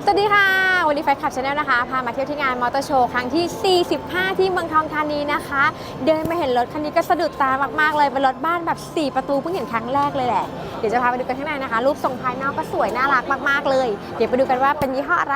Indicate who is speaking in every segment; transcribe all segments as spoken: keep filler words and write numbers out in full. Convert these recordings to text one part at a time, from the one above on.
Speaker 1: สวัสดีค่ะวันนี้แฟนคลับชาแนลนะคะพามาเที่ยวที่งานมอเตอร์โชว์ครั้งที่ สี่สิบห้า ที่เมืองทองธานีนะคะเดินมาเห็นรถคันนี้ก็สะดุดตามากๆเลยเป็นรถบ้านแบบ สี่ ประตูเพิ่งเห็นครั้งแรกเลยแหละเดี๋ยวจะพาไปดูกันข้างในนะคะรูปทรงภายนอกก็สวยน่ารักมากๆเลยเดี๋ยวไปดูกันว่าเป็นยี่ห้ออะไร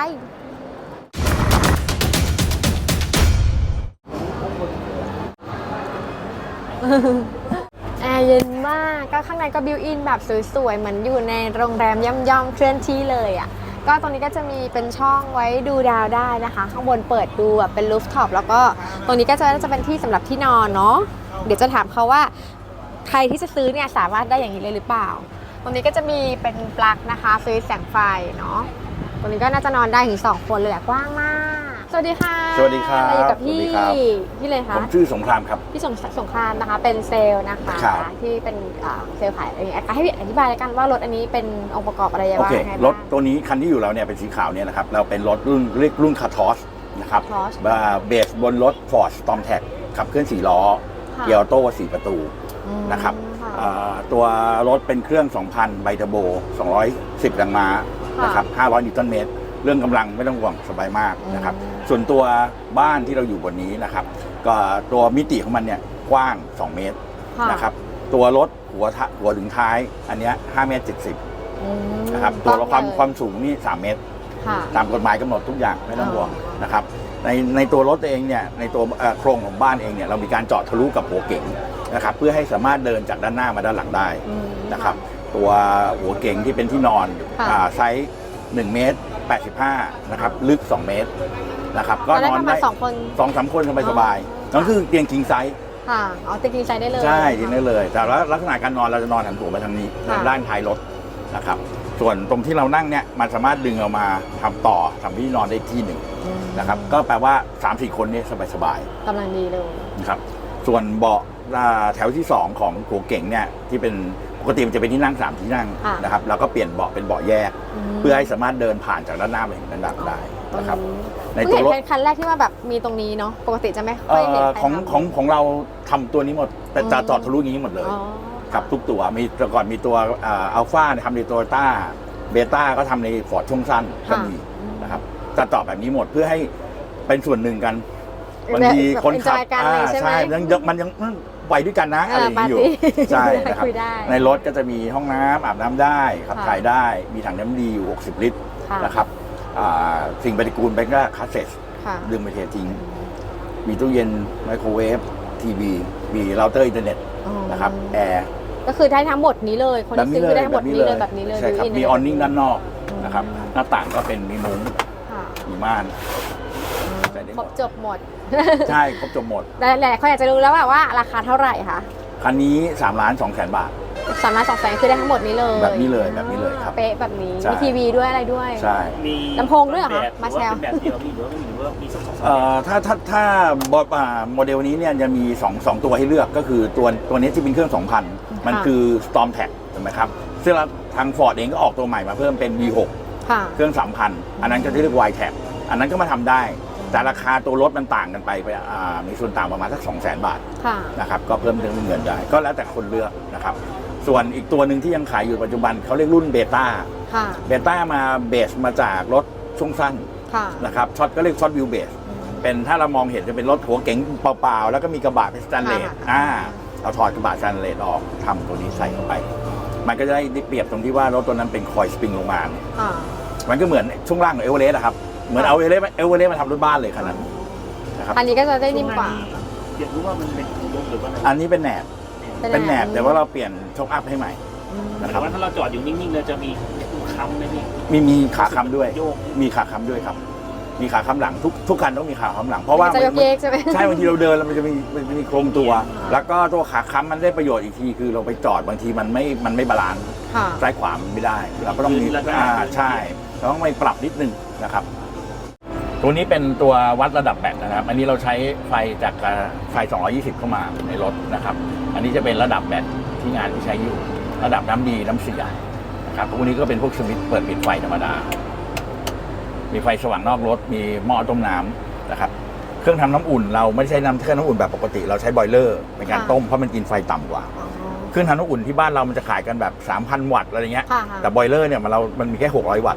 Speaker 1: แอร์เย็นมากก็ข้างในก็บิวอินแบบสวยๆเหมือนอยู่ในโรงแรมย่อมๆเคลื่อนที่เลยอ่ะก็ตรงนี้ก็จะมีเป็นช่องไว้ดูดาวได้นะคะข้างบนเปิดดูแบบเป็นรูฟท็อปแล้วก็ตรงนี้ก็จะจะเป็นที่สำหรับที่นอนเนาะเดี๋ยวจะถามเขาว่าใครที่จะซื้อเนี่ยสามารถได้อย่างนี้เลยหรือเปล่าตรงนี้ก็จะมีเป็นปลั๊กนะคะซื้อแสงไฟเนาะตรงนี้ก็น่าจะนอนได้ถึงสองคนเลยแหละกว้างมากสวัสดีค่ะ
Speaker 2: สวัสดีครับ
Speaker 1: อะไรกับพี่พี่เลยคะ
Speaker 2: ผมชื่อสงครามครับ
Speaker 1: พี่สงสงครามนะคะเป็นเซลล์นะคะที่เป็นเซลล์ขายอะไรอย่างเงี้ยให้พี่อธิบายกันว่ารถอันนี้เป็นองค์ประกอบอะไรบ้างโอเค
Speaker 2: รถตัวนี้คันที่อยู่เราเนี่ยเป็นสีขาวเนี่ยนะครับเราเป็นรถรุ่นเรียกรุ่นคาทอสนะครับเบสบนรถ Ford Stormtrac ขับเคลื่อนสี่ล้อเกียร์ออโต้สี่ประตูนะครับตัวรถเป็นเครื่อง สองพัน ไบเทอร์โบสองร้อยสิบแรงม้านะครับห้าร้อยนิวตันเมตรเรื่องกำลังไม่ต้องห่วงสบายมากนะครับส่วนตัวบ้านที่เราอยู่บนนี้นะครับก็ตัวมิติของมันเนี่ยกว้างสองเมตรนะครับตัวรถหัวหัวถึงท้ายอันนี้ห้าเมตรเจ็ดสิบนะครับตัวความความสูงนี่สามเมตรตามกฎหมายกำหนดทุกอย่างไม่ต้องห่วงนะครับในในตัวรถเองเนี่ยในตัวโครงของบ้านเองเนี่ยเรามีการเจาะทะลุกับหัวเก๋งนะครับเพื่อให้สามารถเดินจากด้านหน้ามาด้านหลังได้นะครับตัวหัวเก๋งที่เป็นที่นอนไซส์หนึ่งเมตรแปดสิบห้านะครับลึกสองเมตรนะครับก็นอนได้สองคนสองสามคนสบายๆนั่นคือเตียงคิงไซส์
Speaker 1: ค่ะอ๋อเตียงคิงไซส์ได้เลย
Speaker 2: ใช่เตียงได้เลยแต่ว่าลักษณะการนอนเราจะนอนหันหัวไปทางนี้ด้านท้ายรถนะครับส่วนตรงที่เรานั่งเนี่ยมันสามารถดึงออกมาทำต่อทำที่นอนได้ที่หนึ่งนะครับก็แปลว่า สามสี่ คนนี่สบาย
Speaker 1: ๆกำลังดีเลย
Speaker 2: นะครับส่วนเบาะแถวที่สองของหัวเก๋งเนี่ยที่เป็นปกติมันจะเป็นที่นั่งสามที่นั่งนะครับแล้วก็เปลี่ยนเบาะเป็นเบาะแยกเพื่อให้สามารถเดินผ่านจากด้านหน้าไปถึงด้านหลังได้นะครับ
Speaker 1: ในตัวรถคันแรกที่ว่าแบบมีตรงนี้เนาะปกติจะไม่ค่อยเห็น
Speaker 2: ของของของเราทำตัวนี้หมดแต่จะจอดทะลุอย่างนี้หมดเลยครับทุกตัวมีแต่ก่อนมีตัวอัลฟาทำในโตโยต้าเบต้าก็ทำในฟอร์ดช่วงสั้นก็มีนะครับจะจอดแบบนี้หมดเพื่อให้เป็นส่วนหนึ่งกันบางทีคนขับใช่มันยังมันยังไหวด้วยกันนะอะไรอย่างนี้อยู่ใช่นะครับในรถก็จะมีห้องน้ำอาบน้ำได้ขับถ่ายได้มีถังน้ำดีอยู่หกสิบลิตรนะครับสิ่งปฏิกูลไปก็คาสเซ็ตดึงไปเททิ้งมีตู้เย็นไมโครเวฟทีวีมีเราเตอร์อินเทอร์เน็ตนะครับแอร์
Speaker 1: ก็คือได้ทั้งหมดนี้เลยคนที่ซื้อคือได้ทั้งหมดนี้เลยแบบนี้เลย
Speaker 2: ใช่ครับมีออนนิ่งด้านนอกนะครับหน้าต่างก็เป็นมีมุ้งมีม่าน
Speaker 1: ครบจบหมด
Speaker 2: ใช่ครบจบหมด
Speaker 1: แต่หลายคนอยากจะรู้แล้วว่าราคาเท่าไหร่คะ
Speaker 2: คันนี้สามล้านสองแสนบาท
Speaker 1: สามล้านสองแสนคือได้ทั้งหมดนี้เลย
Speaker 2: แบบนี้เลยแบบนี้เลยครับ
Speaker 1: เป๊ะแบบนี้มีทีวีด้วยอะไรด้วย
Speaker 2: ใช่
Speaker 1: มีลำโพงด้วยเหรอคะมาแชร์
Speaker 3: แบบเดียวมีหรือว่ามีหรือว่ามีสอง
Speaker 2: เอ่อถ้าถ้าถ้าโมเดลนี้เนี่ยจะมีสอง สองตัวให้เลือกก็คือตัวตัวนี้ที่เป็นเครื่อง สองพัน มันคือ Stormtrac ถูกไหมครับซึ่งทาง Ford เองก็ออกตัวใหม่มาเพิ่มเป็น วี หก เครื่อง สามพัน อันนั้นก็จะเรียก Y-Tap อันนั้นก็มาทำได้แต่ราคาตัวรถมันต่างกันไปไปมีส่วนต่างประมาณสัก สองแสน บาทนะครับก็เพิ่มเติมเงินได้ก็แล้วแต่คนเลือกนะครับส่วนอีกตัวหนึ่งที่ยังขายอยู่ปัจจุบันเขาเรียกรุ่นเบต้าเบต้ามาเบสมาจากรถช่วงสั้นนะครับช็อตก็เรียกช็อตวิวเบสเป็นถ้าเรามองเห็นจะเป็นรถหัวเก๋งเปล่าๆแล้วก็มีกระบะเป็นสแตนเลสอ่าเอาถอดกระบะสแตนเลสออกทำตัวนี้ใส่เข้าไปมันก็จะได้เปรียบตรงที่ว่ารถตัวนั้นเป็นคอยสปริงลงมามันก็เหมือนช่วงล่างของเอเวอเรสต์ครับเหมือนเอาเอเวอเรสต์เอเวอเรสต์มาทำรถบ้านเลยขนาดนั้น
Speaker 1: นะครับอันนี้ก็จะได้นิ่มกว่า
Speaker 3: อยากรู้ว่ามันเป็นลมหรือว่า
Speaker 2: อันนี้เป็นแหนบเป็นแหนบแต่ว่าเราเปลี่ยนช็อคอัพให้ใหม่
Speaker 3: นะครับถ้าเราจอดอยู่นิ่งๆเราจะมีค้ำไหมพี่
Speaker 2: มีมีขาค้ำด้วยมีขาค้ำด้วยครับมีขาค้ำหลังทุกทุกคันต้องมีขาค้ำหลังเพราะว่า
Speaker 1: จะยกเยกใช่ไหม
Speaker 2: ใช่บางทีเราเดินแล้วมันจะมีมันมีโครงตัวแล้วก็ตัวขาค้ำมันได้ประโยชน์อีกทีคือเราไปจอดบางทีมันไม่มันไม่บาลานซ์ซ้ายขวามันไม่ได้เราก็ต้องมีอ่าใช่เราต้องไปปรับนิดนึงนะครับตัวนี้เป็นตัววัดระดับแบตนะครับอันนี้เราใช้ไฟจากไฟสองร้อยยี่สิบเข้ามาในรถนะครับอันนี้จะเป็นระดับแบตที่งานที่ใช้อยู่ระดับน้ำดีน้ำเสียนะครับพวกนี้ก็เป็นพวกสวิตช์เปิดปิดไฟธรรมดามีไฟสว่างนอกรถมีหม้อต้มน้ำนะครับเครื่องทำน้ำอุ่นเราไม่ใช้น้ำเครื่องน้ำอุ่นแบบปกติเราใช้บอยเลอร์ในการต้มเพราะมันกินไฟต่ำกว่าเครื่องทำน้ำอุ่นที่บ้านเรามันจะขายกันแบบ สามพัน วัตต์อะไรเงี้ยแต่บอยเลอร์เนี่ยมันเรามันมีแค่หกร้อยวัตต์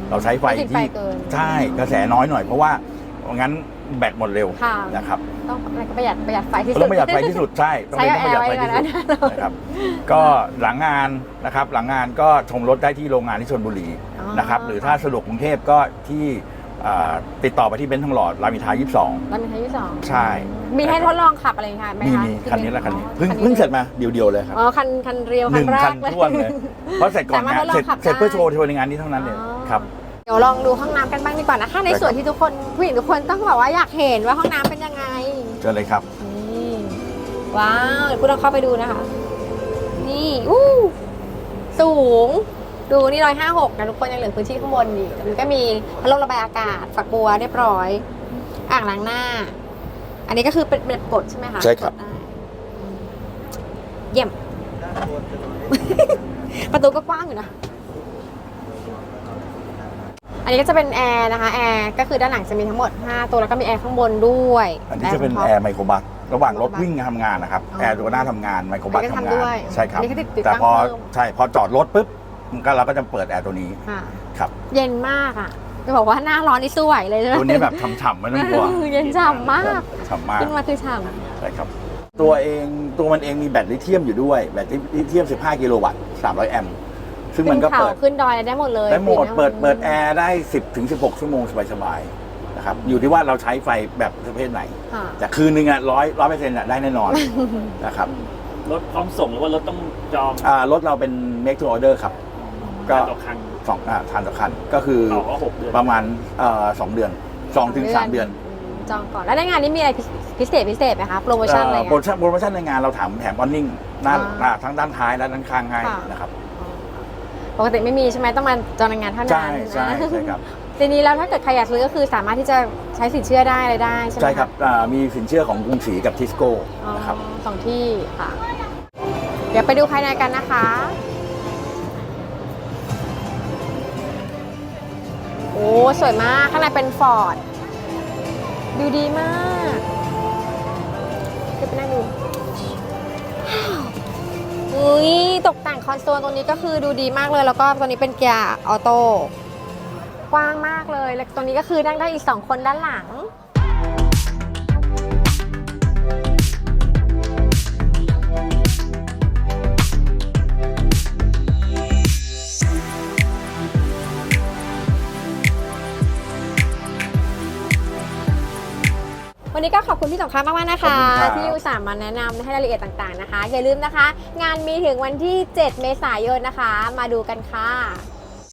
Speaker 2: เราใช้ไฟ
Speaker 1: ไม่ติดไฟ
Speaker 2: ที่
Speaker 1: เกิน
Speaker 2: ใช่กระแสน้อยหน่อยเพราะว่างั้นแบตหมดเร็ว
Speaker 1: ค่ะ
Speaker 2: นะครับ
Speaker 1: ต้องอะไรก็ประหยัดประหยัดไฟที่สุด
Speaker 2: ต้องประหยัดไฟที่สุดใช่ต้อง
Speaker 1: ใช้
Speaker 2: เป็นต้องประหยัดไฟที่สุด
Speaker 1: แอร์ไว้ก่อนนะ
Speaker 2: นะครับก็หลังงานนะครับหลังงานก็ชมรถได้ที่โรงงานที่ชลบุรี
Speaker 1: อ๋อ
Speaker 2: นะครับหรือถ้าสะดวกกรุงเทพก็ที่อ่าติดต่อไปที่เบนซ์ทองหล่อรามอินทรายี่สิบสอง
Speaker 1: รามอินทรายี่สิบสอง
Speaker 2: ใช่
Speaker 1: มีให้ทดลองขับอะไรอย่างเงี้ยไหม
Speaker 2: มี
Speaker 1: คะ
Speaker 2: มีคันนี้แหละคันนี้
Speaker 1: อ๋อ
Speaker 2: เพิ่ง
Speaker 1: คันนี้
Speaker 2: เพิ่งเสร็จมาเดียวๆเลยครับ
Speaker 1: อ๋อคันคันเรียว
Speaker 2: ห
Speaker 1: คัน
Speaker 2: นึ่ง
Speaker 1: แร
Speaker 2: คั
Speaker 1: ก
Speaker 2: น
Speaker 1: เลย
Speaker 2: ท้วนเลยเพราะเสร็จก่อนงาน
Speaker 1: สามารถทดลอง
Speaker 2: เสร็จ
Speaker 1: ขับ
Speaker 2: เสร็จ
Speaker 1: ได้
Speaker 2: เพื่อโชว์โชว์ในงานนี้เท่านั้นเอง
Speaker 1: อ๋อ
Speaker 2: ครับ
Speaker 1: เดี๋ยวลองดูห้องน้ำกันบ้างดีกว่านะคะใน
Speaker 2: ได้ครับ
Speaker 1: ส่วนที่ทุกคนผู้หญิงทุกคนต้องบอกว่าอยากเห็นว่าห้องน้ำเป็นยังไง
Speaker 2: เชิญเลยครับ
Speaker 1: นี่ว้าวเดี๋ยวคุณลองเข้าไปดูนะคะ นี่อู้สูง ดูนี่ร้อยห้าหกนะทุกคนยังเหลือพื้นที่ข้างบนอีกมันก็มีพัดลมระบายอากาศฝักบัวเรียบร้อย อ่างล้างหน้า อันนี้ก็คือเป็นแบบกดใช่ไหมคะ
Speaker 2: ใช่ครับ
Speaker 1: กดได้เยี่ยม ประตูก็กว้างอยู่นะ อันนี้ก็จะเป็นแอร์นะคะแอร์ก็คือด้านหลังจะมีทั้งหมดห้าตัวแล้วก็มีแอร์ข้างบนด้วย
Speaker 2: อันนี้จะเป็น
Speaker 1: ท็อป
Speaker 2: แอร์ไมโครบัสระหว่างรถ
Speaker 1: ไมโครบัส
Speaker 2: วิ่งทำงานนะครับ
Speaker 1: อ๋อ
Speaker 2: แอร์ตัวหน้าทำงานไมโครบัส
Speaker 1: อันนี้ก็
Speaker 2: ทำ
Speaker 1: ทำ
Speaker 2: งา
Speaker 1: ด้
Speaker 2: น
Speaker 1: วย
Speaker 2: ใช่ครับ
Speaker 1: อันนี้ก็ติดติด
Speaker 2: แต่
Speaker 1: ตั้ง
Speaker 2: พอ
Speaker 1: เพิ่ม
Speaker 2: ใช่พอจอดรถปุ๊บมันก็เราก็จะเปิดแอร์ตัวนี้
Speaker 1: ค่ะ
Speaker 2: ครับ
Speaker 1: เย็นมากอ่ะจะบอกว่าหน้าร้อนนี่สู้ไหวเลยใช่ไหม
Speaker 2: ตัวนี้แบบฉ่ำๆไม่ต้องกลัว
Speaker 1: เย็นฉ่ำมาก
Speaker 2: ฉ่ำมาก
Speaker 1: ขึ้นมาคือฉ่
Speaker 2: ใช่ครับตัวเองตัวมันเองมีแบตลิเธียมอยู่ด้วยแบตลิเธียมสิบห้ากิโลวัตต์สามร้อยแอมป์ซึ่ง
Speaker 1: ำ
Speaker 2: มันก็
Speaker 1: ขึ้นเขา
Speaker 2: เปิด
Speaker 1: ขึ้นดอยอะไรได้หมดเลย
Speaker 2: ได้หมด
Speaker 1: ปิ
Speaker 2: เปิด
Speaker 1: ไ
Speaker 2: เปิดแอร์ได้สิบถึงสิบหกชั่วโมงสบายๆนะครับอยู่ที่ว่าเราใช้ไฟแบบประเภทไหน
Speaker 1: ค่ะ
Speaker 2: แต่คืนนึงอ่ะร้อยร้อยเปอร์เซ็นต์อ่ะได้แน่นอนนะครับ
Speaker 3: รถพร้อมส่งหรือว่ารถต้องจอง
Speaker 2: อ่ารถเราเป็น make to order ครับ ก็
Speaker 3: ต่อครั้ง
Speaker 2: สองอ่าทานต่อคันก็คือ
Speaker 3: ต่อก็หกเดือน
Speaker 2: ประมาณเอ่อสองเดือนสองถึงสามเดือน
Speaker 1: มจองก่อนแล้วในงานนี้มีอะไรพิเศษพิเศษไหมคะโปรโมชั่นอะไร
Speaker 2: เอ่อโปรโม
Speaker 1: เงี้ย
Speaker 2: ชั่นโปรโมชั่นในงานเราถามแถมออนนิ่งด้าน
Speaker 1: อ่า
Speaker 2: อ่าทั้งด้านท้ายและด้านข้างให้
Speaker 1: ค่ะ
Speaker 2: นะครับ
Speaker 1: ปกติไม่มีใช่ไหมต้องมาจองในงานเท่านั้น
Speaker 2: ใช่ใช่ใช่ครับ
Speaker 1: ทีนี้แล้วถ้าเกิดใครอยากซื้อก็คือสามารถที่จะใช้สินเชื่อได้อะไรได้ใช่ไหมะ
Speaker 2: ใช่ครับอ่ามีสินเชื่อของกรุงศรีกับทิสโก้
Speaker 1: อ๋อ
Speaker 2: นะครับ
Speaker 1: สองที่ค่ะ เดี๋ยวไปดูภายในกันนะคะ โอ้สวยมาก ข้างในเป็นฟอร์ดดูดีมากเดี๋ยวไปนั่งดูอุ้ยตกแต่งคอนโซลตรงนี้ก็คือดูดีมากเลย แล้วก็ตัวนี้เป็นเกียร์ออโต้กว้างมากเลย แล้วตรงนี้ก็คือนั่งได้อีกสองคนด้านหลัง วันนี้ก็ขอบคุณพี่สงครามมากๆนะคะ
Speaker 2: ขอบคุณครับ
Speaker 1: ที่อุตส่าห์มาแนะนำให้รายละเอียดต่างๆนะคะ อย่าลืมนะคะ งานมีถึงวันที่ เจ็ด เมษายนนะคะ มาดูกันค่ะ